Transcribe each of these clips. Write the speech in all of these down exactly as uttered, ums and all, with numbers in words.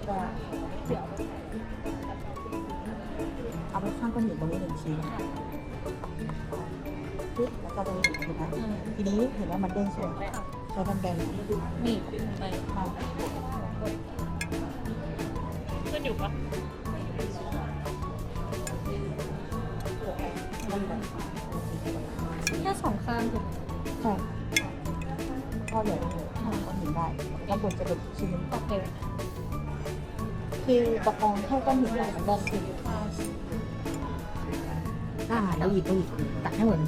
เอาไปข้างก้อนหินตรงนี้หนึ่งชิ้นปึ๊บแล้วก็ตรงนี้หนึ่งชิ้นนะทีนี้เห็นว่ามันเด้งใช่ไหมใช้แบนๆนี่ไปมาขึ้นอยู่ปะ แค่สองข้างถูกใช่ก็เหลือข้างก้อนหินได้แล้วบนจะเป็นชิ้นนี้โอเคคือประคองแค่ก้อนหินใหญ่มันแบนขึ้นอ่าแล้วหยิบก็หยิบตักให้เหมือน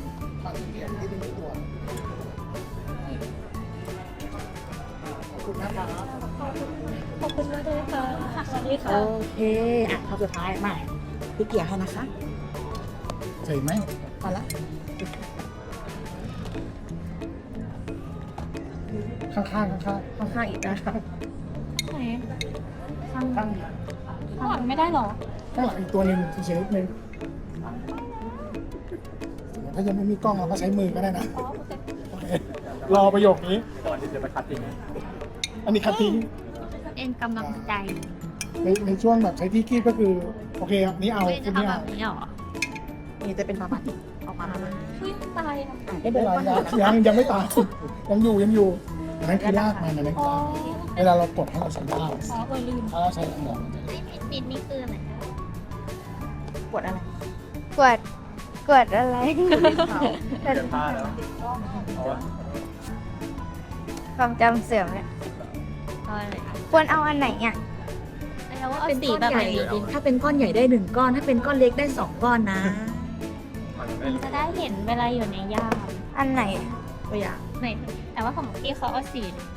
ขอบคุณมากเลยค่ะสวัสดีค่ะโอเคอ่ะข้อสุดท้ายมาพี่เกียร์ให้นะคะใช่ไหมพอละข้างๆข้างๆข้างข้างๆอีกนะคะไหนข้างๆข้างข้างหลังไม่ได้หรอข้างหลังอีกตัวหนึ่งอีกชนิดหนึ่งถ้ายังไม่มีกล้องเราก็ใช้มือก็ได้นะอ๋อโอเคโอเครอประโยคนี้ก่อนที่จะไปคัดทิ้งอันนี้คัดทิ้งเป็นกำลังใจในในช่วงแบบใช้ที่คีบก็คือโอเคครับนี้เอาไม่คุจะณนี้ทำแบเอาบนี้หรอนี่จะเป็นประมาณนี้ออกมาประมาณนี้เฮ้ยตายอ่ะอ่ะไม่ได้เป็นเดิไรนก้อนยัหินนะคะงยังยังไม่ตายยังอยู่ยังอยู่อันนั้นคือรากมันอันนั้นอ๋คือ อรากเวลาเรากดให้เราใช้รากอ๋อเออลืมถ้าเราใช้แรงงานมันจะไม่ปิดนี่คืออะไรปวดอะไรกวดกวดอะไรเปลี่ยนผ้าแล้วความจำเสื่อมเนี่ยเอาอะไรควรเอาอันไหนอ่ะแล้วว่าเอาสีแบบไหนดีถ้าเป็นก้อนใหญ่ได้หนึ่งก้อน ถ้าเป็นก้อนเล็กได้สองก้อนนะจะได้เห็นเวลาอยู่ในย่ามอันไหนตัวอย่างไหนแต่ว่าของพี่เขาเอาสี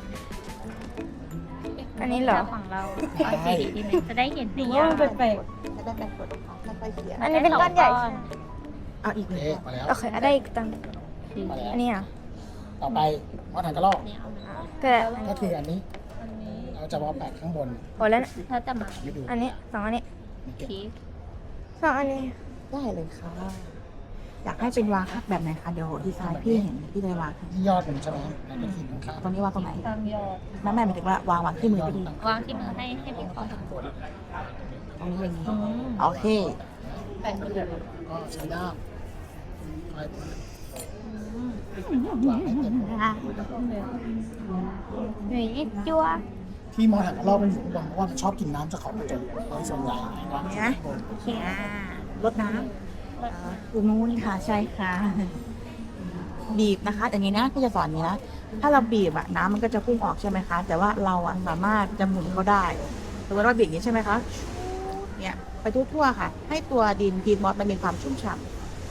อันนี้เหรอของเราเอาสีดีไหมจะได้เห็นในว่าย่ามมันเป็นแปลกจะได้แปลกกดค่อยๆเขียนอันนี้เป็นก้อนใหญ่เอาอีกหนึ่งเอ๊ะก้อนมาแล้วโอเคเอาได้อีกตังสีมาแล้วอันนี้เหรอ่ะต่อไปมอถังกระรอกเนี่ยเอามาก็ก็คืออันนี้อันนี้เราจะมาแปะข้างบนโอ้แล้วนะถ้าจะมาไม่ดูอันนี้สองอันนี้นี่เก็บคีสองอันนี้ได้เลยค่ะ อยากให้เป็นวางครับแบบไหนคะ เดี๋ยวดีไซน์พี่เห็นพี่เลยวางให้ที่ยอดมันใช่ไหมนั่นก็คือข้างตรงนี้วางตรงไหนตามยอดแม่แม่หมายถึงว่าวางวางที่มือพี่วางที่มือให้ให้พี่เขาทำตรงนี้อย่างนี้อืมโอเคแบ่งมือๆก็ใช้ด้ามคอย嗯วางให้เต็มอ่ะหนุ่ยจัวที่มอถังกระรอกมันอยู่ข้างบนเพราะว่ามันชอบกินน้ำจากเขากระจกโดยส่วนใหญ่วางนี่ที่นะข้างบนโอเคอ่ารดน้ำอ่าตรงนู้นค่ะ ใช่ค่ะ บีบนะคะอย่างนี้นะพี่จะสอนอย่างนี้นะ ถ้าเราบีบอะน้ำมันก็จะพุ่งออกใช่ไหมคะ แต่ว่าเราอะสามารถจะหมุนเขาได้สมมติว่าบีบอย่างนี้ใช่ไหมคะ เนี่ยไปทั่วๆค่ะ ให้ตัวดินพีทมอสมันมีความชุ่มฉ่ำ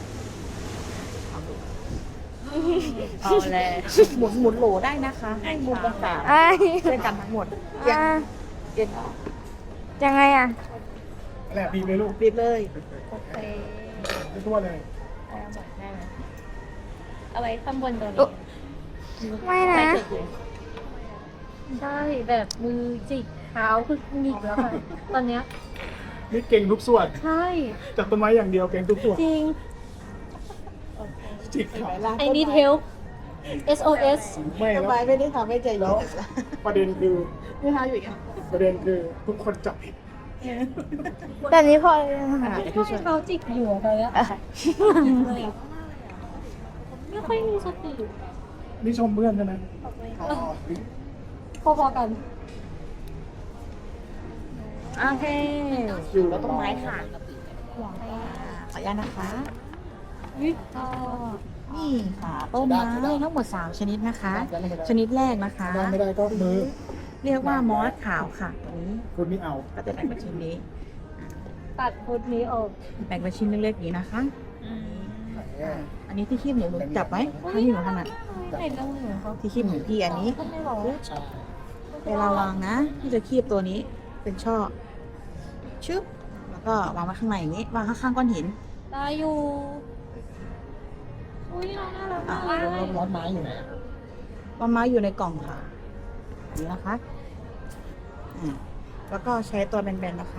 เอาแล้วหมุนหมุนโหลได้นะคะ ให้มุมต่างไอ้ยๆด้วยกันทั้งหมดอย่างอ่ะอย่างยังไงอ่ะนั่นแหละบีบเลยลูกบีบเลยโอเคไปทั่วเลยเอาหมดได้ไหมเอาไว้ข้างบนตัวอุ๊นี้ไม่นะใช่แบบมือจิกเท้าคือหงิกแล้วค่ะตอนเนี้ยนี่เก่งทุกส่วนใช่จากต้นไม้อย่างเดียวเก่งทุกส่วนจริงจิกขาไอ้นี่เทล เอส โอ เอสไม่สแล้วบายไม่ได้ทำให้ใจเย็แล้นวประเด็นคือไม่ทำอยู่อย่างนี้ประเด็นคือทุกคนจับผิดแต่นี้พอเลยนะอ่าคะเดี๋ยวพี่ช่วยเขาจิกอยู่อะเลยอะไม่ค่อยมีสตินี่ชมเพื่อนใช่ไหมพอๆกันโอเคอยู่แล้วต้นไม้ค่ะขออนุญาตนะคะวิก็นี่ค่ะต้นไม้ทั้งหมดสามชนิดนะคะ ชนิดแรกนะคะได้ไม่ได้ก็มือเรียกว่ามอสขาวค่ะตัวนี้คุณนี่เอาก็จะแบ่งเป็นชิ้นนี้ตัดพุทนี้ออกแบ่งเป็นชิ้นเล็กๆอย่างนี้นะคะอ่าอันนี้ที่คีบหนูหนูจับไหมถ้าที่หนูถนัดเห็นแล้วเหมือนเขาที่คีบหนูพี่อันนี้ไม่หรอใช่เวลาวางนะพี่จะคีบตัวนี้เป็นช่อชึบแล้วก็วางไว้ข้างในอย่างนี้วางข้างๆก้อนหินได้อยู่อุ้ยน้องน่ารักอ่ะมากแล้วร้อนไม้อยู่ไหนต้นไม้อยู่ในกล่องค่ะนี่นะคะอ่าแล้วก็ใช้ตัวแบนๆนะคะ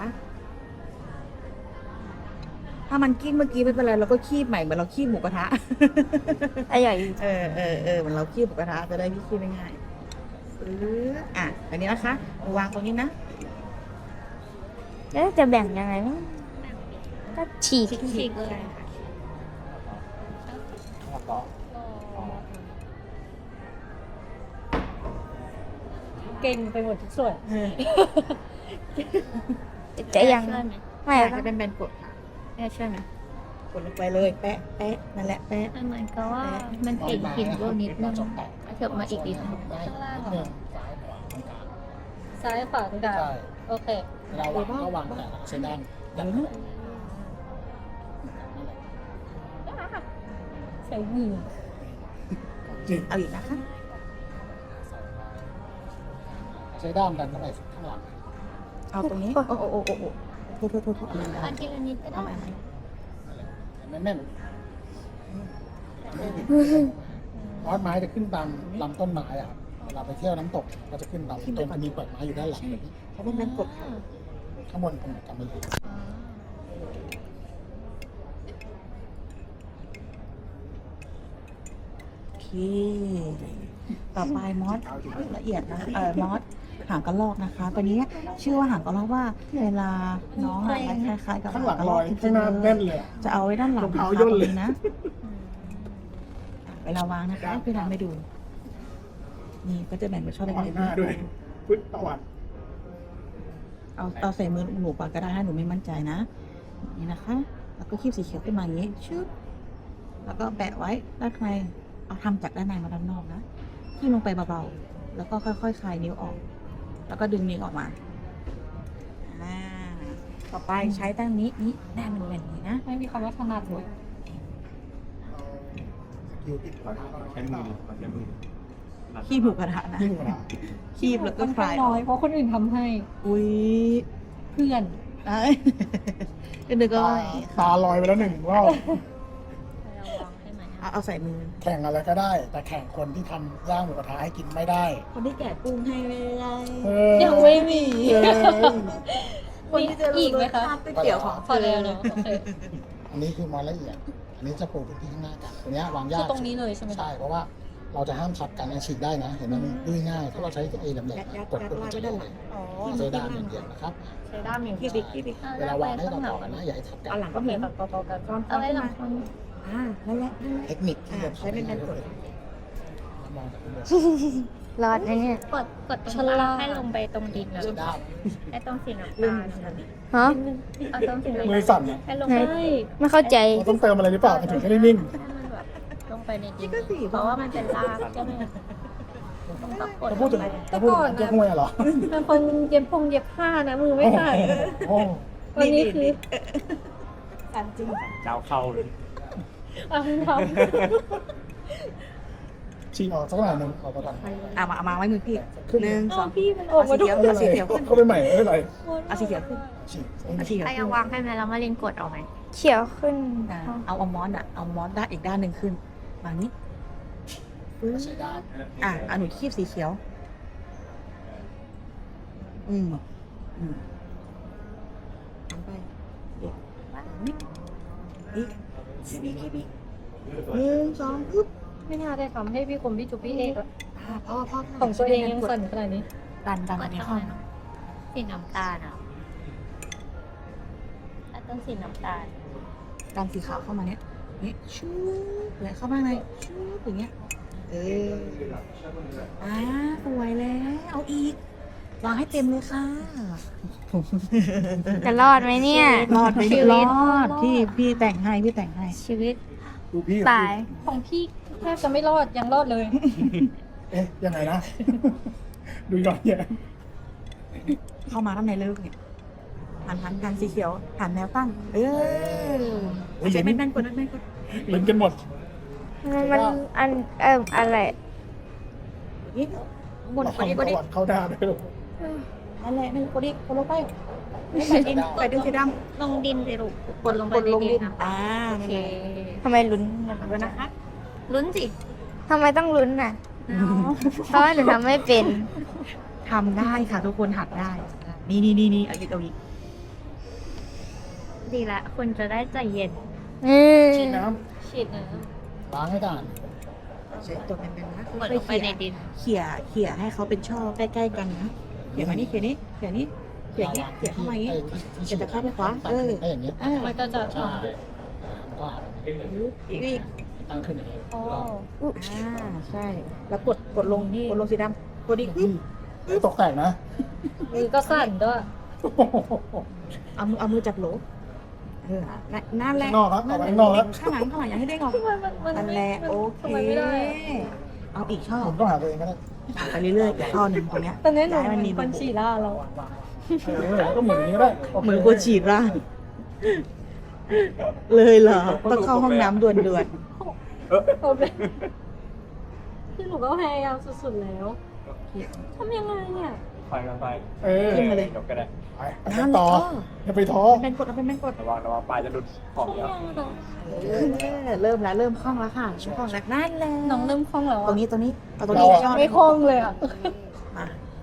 ถ้ามันกิ้งเมื่อกี้ไม่เป็นไรเราก็คีบใหม่เหมือนเราคีบหมูกระทะไอ้ใหญ่เออเออเออเหมือนเราคีบหมูกระทะจะได้พี่คีบง่ายๆซื้ออ่ะอันนี้นะคะวางตรงนี้นะแล้วจะแบ่งยังไงวะก็ฉีกฉีกเลยต่อเก่งไปหมดทุกส่วนเออจะยังช่วยไหมไม่อยากก็จะเป็นแบนกดค่ะแม่ช่วยไหมกดลงไปเลยแปะแปะนั่นแหละแปะมันเหมือนกับว่ามันติดหินอยู่นิดนึงเถิบมาอีกนิดนึงได้ข้างล่างนิดเหรนึองซ้ายขวาตรงกลางซ้ายขวาตรงกลางใช่โอเคเวลาวางก็วางแต่ใช้ด้านด้านใส่มือจริงเอาอีกนะคะใช้ด้านดันเข้าไปข้างหลังเอาตรงนี้ โอ้โอ้โอ้โอ้โอ้โทษโทษโทษโทษอันทีละนิดก็เอาได้ใหม่แน่นแน่นมอสไม้จะขึ้นตามลำต้นไม้อะครับเวลาไปเที่ยวน้ำตกก็จะขึ้นตามต้นจะมีเปลือกไม้อยู่ด้านหลังเขาเป็นแบนกดค่ะข้างบนผมจำไม่ได้โอเค ต่อไปมอสละเอียดนะ เออมอสหางกระรอกนะคะ ตัวนี้ชื่อว่าหางกระรอกว่าเวลาน้องอะคล้ายๆกับข้างหลังกระลรออก ยจริข้างงหน้าๆเลแน่ยนเลยอะจะเอาไว้ด้านหลังรองเท้านะคะย่นตรงเลยนี้นะ เวลาวางนะคะพี่ทำให้ดู นี่ก็จะแบ่งเป็นช่อเล็วางกหน้าด้วยพึ่งตะวันๆเอาเอาใส่มือหนูก่อนก็ได้ถ้าหนูไม่มั่นใจนะนี่นะคะ แล้วก็คีบสีเขียวขึ้นมาอย่างนี้ชึบแล้วก็แปะไว้ด้านในเอาทำจากด้านในมาด้านนอกนะคีบลงไปเบาๆแล้วก็ค่อยๆคลายนิ้วออก แล้วก็ดึงนิ้วออกมาอ่าต่อไปใช้ด้านนี้นี่ด้านมันเป็นอย่างนี้นะไม่มีคำว่าถนัดเลยสกิลติดกระทะใช้มือใช้มือคีบหมูกระทะนะยิ่งกว่าคีบแล้วก็ค่อนคข้าลาง ยอน้ออยกเพราะคนอื่นทำให้อุ้ยเพื่อนเอ้ยก็นึกว่าตาลอยไปแล้วหนึ่งรอบเอาเอาใส่มือแข่งอะไรก็ได้ แต่แข่งคนที่ทำย่างหมูกระทะให้กินไม่ได้คนที่แกะกุ้งให้ไม่ได้เออยังไม่มีเออคนที่จะอีกไหมคะรสชาติก๋วยเตี๋ยวของพอแล้วเนาะโอเคอันนี้คือมอละเอียด อันนี้จะปลูกพื้นที่ข้างหน้ากันตัวเนี้ยวางยาคืกอตรงนี้เลยใช่ไหมคะใช่เพราะว่าเราจะห้ามทับกันอันฉีกได้นะ เห็นไหมมันยุ่ยง่าย ถ้าเราใช้ตัวเอแหลมยัดยัดๆกดยัดปุ๊บลามัยนไปจะด้านเลหลัยงอ๋อใช้ด้ามอย่างเดียวนะครับใช้ด้ามอย่างที่เดีดิยวที่ดิเวลาวางให้ต่อๆกันนะอย่าให้ทับกันเอาหลังก็ก็เหเหมืมืออน นแบบต่อๆกันซ้อนๆอะไรขึ้นหลัมางคนอ่านั่นแหละนั่นแหละเทคนิคที่จะอ่าใช้เป็นแบนกดมองจากข้างบนรอดนะเนี่ยกดกดตรงกลางให้ลงไปตรงดินนะใช้ด้ามให้ตรงสีน้ำลืตาม ลนะฮะเอาตรงสีน้ำมือตาลสั่นอะให้ลงไหนไปไม่เข้าใจเราต้องเติมอะไรหรือเปล่ามันถึงจะได้นิ่งให้มันแบบลงไปในดินี่นก็สีเพราะว่ามันเป็นรากใช่ไหมต้องกดกดจะพูดถึงจะพูดถึงเจ๊ห้วยเหรอเป็นคนเย็บพงเย็บผ้านะมือไม่ขาดโอ้วันนี้คือสันจริงเจ้าเข้าเลยเอาทฉีกออกสักหน่อยหนึ่งออกมาก่อนอ่ะมาเอามาไว้มือพี่ขึ้นหนึ่งำสอเอางพี่มันออกมาทุกเอาไม่สีเป็นไรเขียวขึ้นเข้าไปใหม่ไม่เป็นไรเอาสีเขียวขึ้นฉีกเอาสีเขียวถ้าขึ้ยันงวางให้ไหมแล้วมาเล่นกดเอาไหมเขียวขึ้นอ่าเอาเอามอสอ่ะเอามอสด้านอีกด้านหนึ่งขึ้นมานี้ปึ๊บใช้ด้ามอ่ะเอาหนูคีบสีเขียว อืมอืมทำไปอีกนิดอีกคีบอีกคีบอีกหนึ่งสองปึ๊บไม่น่าได้ทำให้พี่คมพี่จุ๊บพี่เอกอะอ่าพ่อพ่อของตัวเองยังสั่นขนาดนี้ดันดันกอัดนนี้ตรงเข้าไหนสีน้ำตาลอ่ะถ้าต้องสีน้ำตาลดันสีขาวเข้ามาเนี้ยนี่ชูเลยเข้ามาในชูอย่างเงี้ย เอออ่าสวยแล้ว เอาอีก วางให้เต็มเลยค่ะจะรอดไหมเนี่ยรอดไหมรอดพี่พี่แต่งให้พี่แต่งให้ชีวิตดูพี่ตายของพี่แทบจะไม่รอดยังรอดเลยเอ๊ะยังไงนะ ดูย้อนแย้งเข้ามาข้างในเลยลูกเนี่ยหันหันกันสีเขียวหันแนวตั้ง เออไม่ใช่ไม่แม่นกดไม่แม่นกดเหมือนกันหมดมันอันเอ่ออะไรนี่บนเรากดอีกกดอีกเข้าด้ามด้วยนั่นแหละนี่กดอีกกดลงไปใส่ดินใส่ดินสีดลงดินสิลูกำกดลงไปกดในลงดิดินนนะอ่าโอนั่นเคแหละทำไมลุ้นขอบคุณนะคะลุ้นสิทำไมต้องลุ้นน่ะ เพราะว่าหนูทำไม่เป็นทำได้ค่ะทุกคนหัดได้ นี่นี่นี่นี่เอาอีกเอาอีกดีละคุณจะได้ใจเย็นอืมฉีดน้ฉีดนะำล้างให้ด่านใช้ตัวเป็นๆนะกดลงไปในดินเขี่ยเขี่ยให้เขาเป็นช่อใกล้ๆกันนะเขี่ยมานี่เขี่ยนี่เขี่ยนี่เขี่ยอย่างเงี้ยเขี่ยเข้ามาอย่างงี้ที่เดี๋ยวจะเข้าไปขวาเออได้อย่างเงี้ยอ่ามันก็จะใช่ก็อีกอีกตั้งขึ้นอย่างนี้อ๋ออ่าใช่ แล้วกดกดลงกดลงสีดำกดอีกปึ๊บเอ้ยตกแตกนะมือก็สั่นด้วยเอามือเอามือจับโหลเออนั่นแหละข้างนอกครับเอาไว้ข้างนอกแล้วข้างหลังข้างหลังอย่าให้ได้งอทำไมมันมันนั่นแหละโอเคทำไมไม่ได้อะเอาอีกช่อผมต้องหาตัวเองก็ได้ไปเรื่อยๆอีกช่อหนึ่งตรงเนี้ยตอนนี้หนูย้ายมันมีมันฉี่ล่าเราเออก็หมุนอย่างนี้ก็ได้โคเหมือนกูฉีดร่างเลยเหรอต้องเข้าห้องน้ำด่วนด่วนโอเคคือหนูก็พยายามสุดๆแล้วทำยังไงเนี่ยไปกันไปเออขึ้นมาเลยจบก็ได้ไปไปต่ออย่าไปท้อเป็นกดเอาเป็นกดระวังระวังปลายจะหลุดของคล่องเยอะยังอะเออเริ่มแล้วเริ่มคล่องแล้วค่ะช่วงคล่องแล้วนั่นแหละน้องเริ่มคล่องแล้วตรอะงนี้ตรงนี้เอาตรงนี้ช่อไม่คล่องเลยอ่ะมา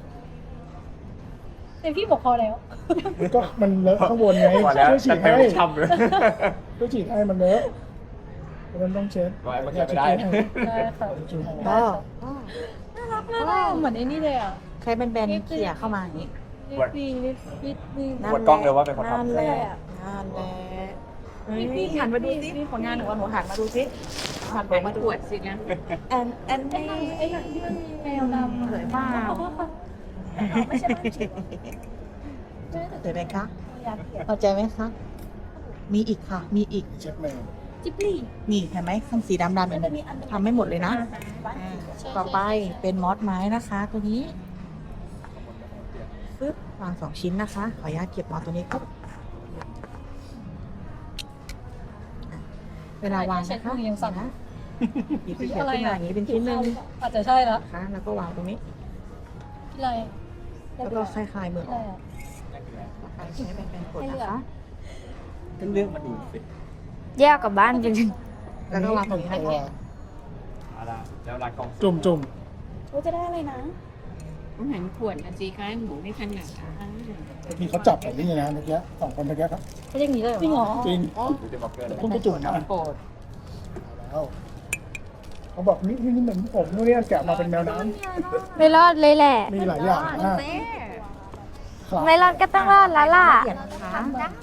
แต่พี่บอกพอแล้วก็มันเลอะข้างบนไงพอแล้วช่วยฉีแต่ดเต็ให้มช่ำเลยช่วยฉีดให้มันเลอะมันต้องเช็ดไว้มันเก็บไม่ได้ได้ค่ะฉีดให้ก็น่ารักน่ารักเหมือนไอ้นี่เลยอ่ะใช้แบนๆเขี่ยเข้ามาอย่างนี้นิดดีนิดนิดนิดปวดกล้องเลยว่าเป็นคนทำนั่นแหละนั่นแหละเฮ้ยหันมาดูสิผลงานหนูว่าหนูหันมาดูสิหันมาดูปวดสิงั้นแอนแอนไอ้นี่หนังไอ้หนังที่มันมีแมวดำอะสวยมากขอบคุณค่ะไม่ใช่ไม่ใช่สวยไหมคะอยากเขียนพอใจไหมคะ มีอีกค่ะ มีอีกเช็ดแมวจิบลี่นี่เห็นไหมข้างสีดำดำเป็นทำไม่หมดเลยนะอ่าต่อไปเป็นมอสไม้นะคะ ตัวนี้ปึ๊บวางสองชิ้นนะคะ ขออนุญาตเก็บมอสตัวนี้ครับอ่ะเวลาวางนะคะยังสั่นนะหยิบที่เขียนขึ้นมาอย่างนี้เป็นชิ้นหนึ่งอาจจะใช่แล้วนะคะแล้วก็วางตรงนี้อะไรแล้วก็คล้ายๆมืออะไรอ่ะไปใช้เป็นเป็นกดนะคะเป็นเรื่องมาดูสิแยกกลับบ้านจริงแล้วก็วางตรงนี้ตัให้วเอาละแล้วรักกล้องจุ่มจุ่มว่าจะได้อะไรนะต้องหันขวดนะสิคะหนูไม่ถนัดอ่ะบางทีเขาจับแบบนี้นะเมื่อกี้สองคนเมื่อกี้ครับไม่อย่างนี้เลยจริงเหรอจริงดูจะบอกเกินเลยต้องไปจุ่มนะโปรดแล้วเขาบอกนี่นี่เหมือนผมนู่นนี่แกะมาเป็นแมวน้ๆ ไม่รอดเลยแหละำมีหลายอย่างมากครับไม่รอดก็ต้องรอดแล้วล่ะเขียนนะคะ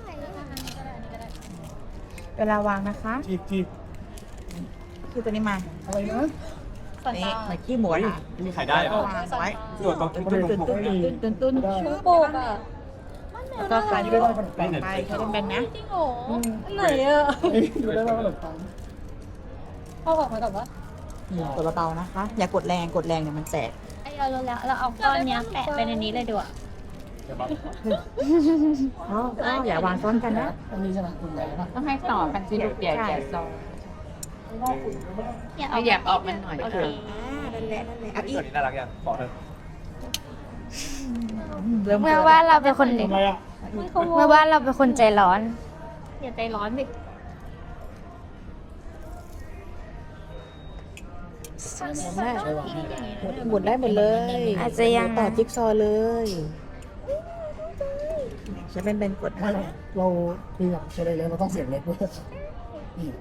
เวลาวางนะคะจีบจีบคือตัวนี้มาอะไรนะสันนี่ตาเหมือนขี้หมูเฮ้ยอ่ะมีใครได้เหรอวางไว้ตัวต้องต้องตื่นต้องตื่นตื่นตื่นตื่นได้ชื่อโปกอ่ะแล้วก็ใส่ดูได้ว่าขนมปังไปใช้เป็นแบนนะจริงเหรออันไหนอ่ะดูได้ว่าขนมปังพ่อบอกมาก่อนว่านี่กดเบาๆนะคะ อย่ากดแรงกดแรงเนี่ยมันแตกไอ้เรารู้แล้วเราเอาก้อนเนี้ยแปะไปในนี้เลยดีกว่าอ๋ออ๋ออย่าวางซ้อนกันนะอันนี้ใช่ไหมคุณใหญ่ปะต้องให้ต่อกันสิลูกใหญ่ใหญ่ซองเนี่ยขยับออกมันหน่อยโอเอเคอนั่นแหละนั่นแหละเอาอีตัวกนี้น่ารักยังขอเถอะเริ่มเมื่อว่าเราเป็นคนทำอะไรอ่ะไม่เขาเมื่อว่าเราเป็นคนใจร้อนอย่าใจร้อนดิได้ใช่ป่ะหมุนได้หมดเลยอาจจะยังต่อจิ๊กซอว์เลยใช้เป็นเป็นกดไม่นะคะเราคืออยากใช้อะไรแล้วเราต้องเสียงเล็กด้วยนี่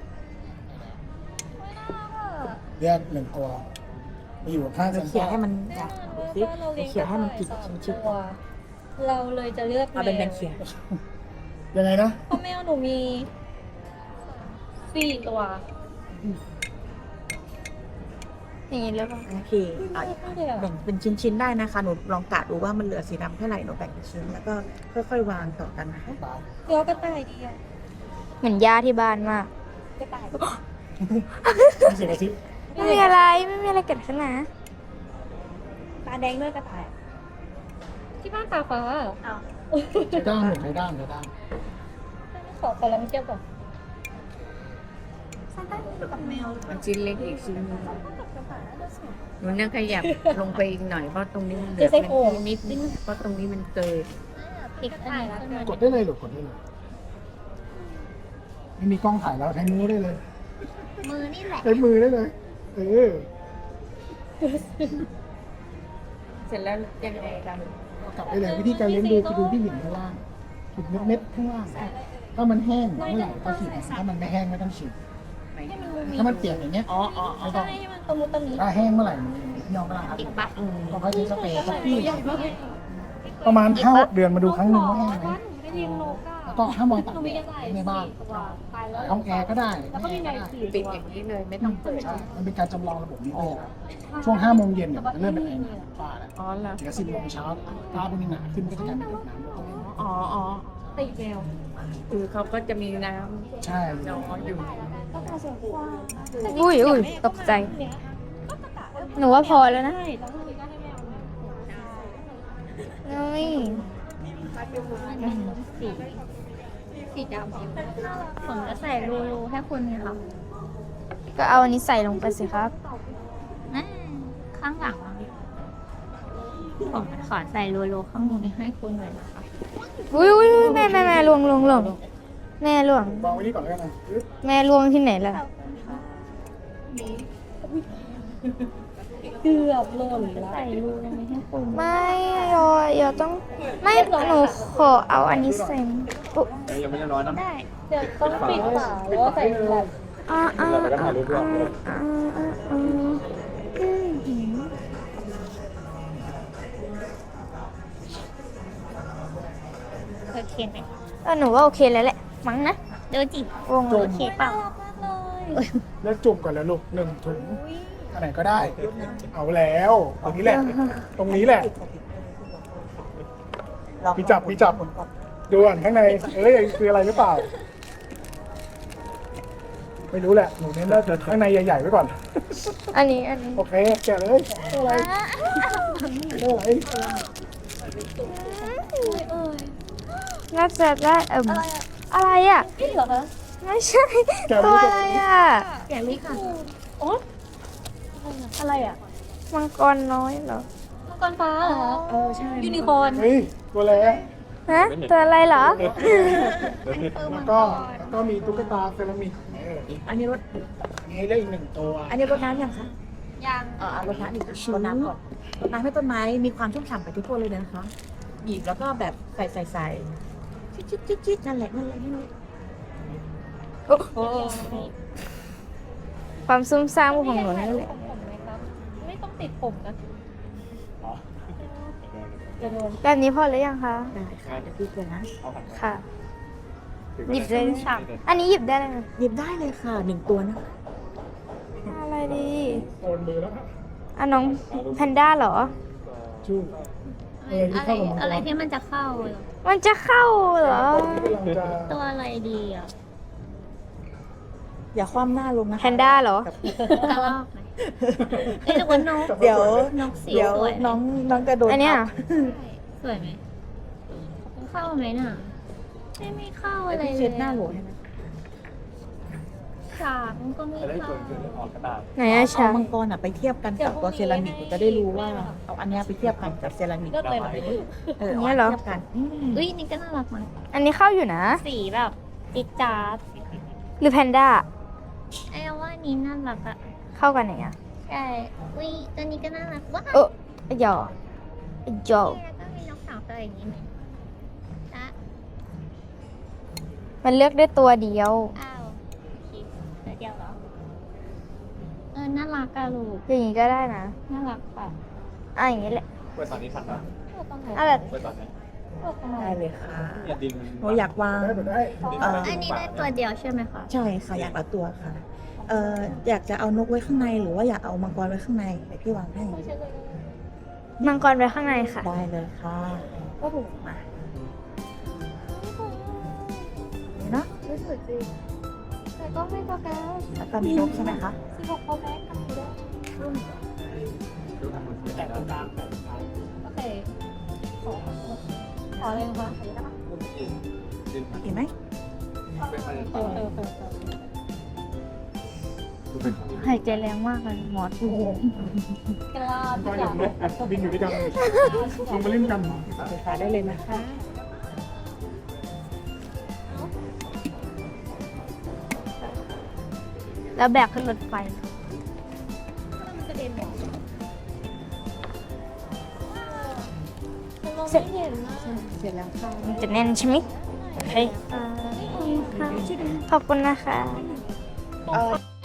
เรียกหนึ่งตัวมาอยู่ข้างเซนเซเขี่อย ร์ให้มันอยากดูสิเขี่ยให้มันกินชิ้นๆตัวเราเลยจะเลือกเอาเป็นแบนเขี่ยยังไงนะเพราะแมวหนูมีสี่ตัวอย่างนี้หรือเปล่าโอเคเอาอีกแบ่งเป็นชิ้นๆได้นะคะ หนูลองกะดูว่ามันเหลือสีดำเท่าไหร่หนูแบ่งเป็นชิ้นแล้วก็ค่อยๆวางต่อกันนะคะตายเดี๋ยวกระต่ายเดียวเหมือนย่าที่บ้านมากกระต่ายมีเสียงกระซิบไม่มีอะไรไม่มีอะไรเกิดขึ้นนะตาแดงด้วยกระต่ายที่บ้านตาฟ้าใช้ด้ามหรือใช้ด้ามใช้ด้ามขอขอแล้วไม่เกี่ยวกับมันชิ้นเล็กอีกชิ้นหนึงหนูนั่งขยับลงไปอีกหน่อยเพราะตรงนี้มันเหลือมันนิดนึงเพราะตรงนี้มันเกิดอีกอันหนึ่งแล้วกดได้เลยหรือกดได้เลยไม่มีกล้องถ่ายแล้วใช้นิ้วได้เลยมือนี่แหละใช้มือได้เลยเออเสร็จแล้วยังไงกันกลับได้เลยวิธีการเลี้ยงดูคือดูที่หินข้างล่างหินเม็ดๆข้างล่างถ้ามันแห้งเมื่อไหร่ก็ฉีดถ้ามันไม่แห้งไม่ต้องฉีดถ้ามันเปียกอย่างเงี้ยอ๋ออ๋อไม่ต้องให้มันตะมุตะมิถ้าแห้งเมื่อไหร่มันยอมเวลาครับอีกปะอืมก็ค่อยใช้สเปรย์สักที่ประมาณห้าหกเดือนมาดูครั้งหนึ่งว่าแห้งไหมได้ยินนกอ่ะแล้วก็ห้ามมองต่างหนูแดมีกระดต่ายในบ้านสี่ตัวตายแล้วห้องแอร์ก็ได้แล้วก็มีแอไก่ร์ก็ได้สี่ปิดตัวอย่างนี้เลยไม่ต้องเปิดใช่มันเป็นการจำลองระบบนิเวศอะช่วงห้าโมงเย็นเนี่ยมันจะเริ่มเป็นไอ้น้ำป้าแล้วอ๋อเหรอเดี๋ยวสิบโมงเช้าตาเป็นหนาขึ้นก็จะกลายเป็นน้ำแล้วก็อ๋ออ๋อตีแมวคือเขาก็จะมีน้ใช่ำน้อยอยู่ก็ตาเสียงกว้างอุ้ยอุ้ยตกใจ หนูว่าพอแล้วนะใช่แล้วทีนี้ก็ให้แมวเนี่ยเฮ้ยสีสีดำผมจะใส่รูให้คุณไงคะก็เอาอันนี้ใส่ลงไปสิครับนั่นข้างหลังผมขอใส่รูๆข้างบนให้คุณหน่อยนะคะอุ้ยอุ้ยอุ้ยแม่แม่แม่ลวงลวงลวงแม่ลวงวางไว้นี่ก่อนแล้วกันนะอึ๊บแม่ลวงที่ไหนล่ะเกือบหล่นแล้วใส่รูลงไปให้คุณไม่ยอยอต้อง ไม่หนูขอเอาอันนี้ใส่อุ๊ยเอ้ยยังไม่ได้ร้อยนะได้เดี๋ยวต้องปิดฝาแล้วก็ใส่แบบอ่าอ่าเราจะก็ถ่ายรูปด้วยอ่าอ่าอ่าอืมโอเคไหมเออหนูว่าโอเคแล้วแหละ มั้งนะดูจิวงโอเคเปล่าเลือกจุ่มก่อนแล้วลูกหนึ่งถุงอันไหนก็ได้ เอาแล้วตรงนี้แหละ ตรงนี้แหละ พี่จับพี่จับ ดูก่อนข้างใน เอ้ยคืออะไรหรือเปล่า ไม่รู้แหละ หนูเน้นว่าข้างในใหญ่ๆไว้ก่อนอันนี้อันนี้โอเค แกะเลยอะไรอะไรน่าจะได้เอ่มอะไรอ่ะนี่เหรอคะไม่ใช่ตัวอะไรอ่ะแกะลิค่ะโอ๊ยอะไรอ่ะมังกรน้อยเหรอมังกรฟ้าเหรอคะเออใช่ยูนิคอร์นเฮ้ย ตัวอะไรอะฮะตัวอะไรเหรอแล้วก็แล้วก็มีตุ๊กตาเซรามิกเอออันนี้รถอันนี้ได้อีกหนึ่งตัวอันนี้รถน้ำยังคะยังเออเอารดน้ำอีกรดน้ำก่อนรดน้ำให้ต้นไม้มีความชุ่มฉ่ำไปทุกตัวเลยนะคะบีบแล้วก็แบบใส่ใส่ใส่จิ๊ดจิ๊ดจิ๊ดจิ๊ดนั่นแหละนั่นแหละนั่นแหละความซุ่มซ่ามของหนูนั่นแหละผมไหมครับไม่ต้องติดผมนะจะโดนแบบนี้พอหรือยังคะได้ค่ะเดี๋ยวพี่เลยนะเอาผัดค่ะ หยิบเลยอันนี้หยิบได้เลยนะหยิบได้เลยค่ะหนึ่งตัวนะอะไรดีโอนมือแล้วอ่ะน้องแพนด้าเหรอชู้เออที่อะไรเข้ากับมังกรอะไรที่มันจะเข้าเหรอมันจะเข้าเหรอที่กำลังจะตัวอะไรดีอ่ะอย่าคว่ำหน้าลงนะแพนด้าเหรอกระรอกไหมเอ้ยหรือว่านกเดี๋ยวนกสีเดี๋ยวสวยไหมน้องน้องจะโดนอันเนี้ยทับสวยไหมเข้าไหมน่ะไม่ไม่เข้าไอ้อะไรที่เลเช็ยดหน้าโหลให้นะฉากมันก็ไม่จะได้เข้าเกินเกินออกกระดาษไหนอะเอาชามังกรอ่ะไปเทียบกันกับตัวเซรามิกจะได้รู้ว่าเอาอันเนี้ยไปเทียบกันกับเซรามิกเลือกเลยเหรอเออเอาเทียบกันอืมอุ้ยนี่ก็น่ารักมั้ยอันนี้เข้าอยู่นะสีแบบจิ๊ดจ๊าดหรือแพนด้าไอ้ว่านี้น่ารักอ่ะเข้ากันไหนอ่ะใช่อุ้ยตัวนี้ก็น่ารักว้าวเออไอ้หยอไอ้หยอแล้วก็มีนกสาวตัวอย่างนี้ไหมจ๊ะมันเลือกได้ตัวเดียวอ้าวคิดตัวเดียวเหรอเออน่ารักอะลูกอย่างนี้ก็ได้นะน่ารักป่ะอ่ะอย่างนี้แหละเปิดตอนนี้ทันนะอ่ะแบบเปิดตอนนี้ได้เลยค่ะเนี่ยดินหนูอยากวางได้หมดได้เอออันนี้ได้ตัวเดียวใช่ไหมคะใช่ค่ะอยากเอาตัวค่ะเอออยากจะเอานกไว้ข้างในหรือว่าอยากเอามังกรไว้ข้างในเดี๋ยวพี่วางให้มังกรไว้ข้างในค่ะได้เลยค่ะก็ถูกมาเนาะรู้สึกดีแต่ก็ไม่โฟกัสแล้วก็มีนกใช่ไหมคะสิบหกโปรแม็กซ์ทำได้ดูทางมือถือได้นะโอเคขอขอเลยนะคะดินเห็นไหมเป็นอะไรเออเออเออดูเป็นหายใจแรงมากเลยหมอโอ้โหกล้าก็ที่อจะย่างนกบินอยู่ด้วยกันเลยลงมาเล่นกันเดี๋ยวค่ะได้เลยนะคะแล้วแบกขึ้นรถไฟมันกระเด็นหมดมันมองไม่เห็นนะเสร็จแล้วค่ะมันจะแน่นใช่ไหมโอเคขอบคุณนะคะเออ